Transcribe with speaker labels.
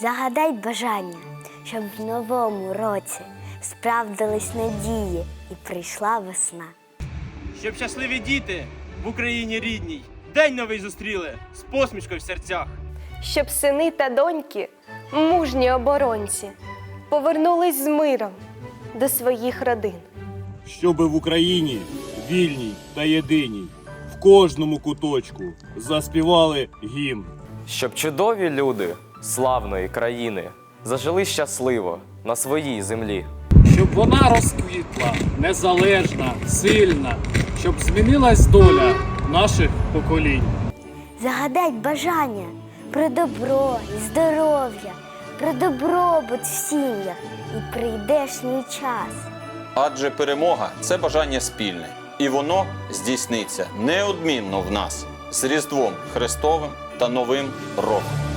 Speaker 1: Загадай бажання, щоб в новому році справдились надії і прийшла весна.
Speaker 2: Щоб щасливі діти в Україні рідній день новий зустріли з посмішкою в серцях.
Speaker 3: Щоб сини та доньки, мужні оборонці, повернулись з миром до своїх родин.
Speaker 4: Щоби в Україні вільній та єдиній в кожному куточку заспівали гімн.
Speaker 5: Щоб чудові люди славної країни зажили щасливо на своїй землі.
Speaker 6: Щоб вона розквітла, незалежна, сильна, щоб змінилась доля наших поколінь.
Speaker 1: Загадай бажання про добро і здоров'я, про добробут в сім'ях і прийдешній час.
Speaker 7: Адже перемога – це бажання спільне, і воно здійсниться неодмінно в нас з Різдвом Христовим та Новим роком.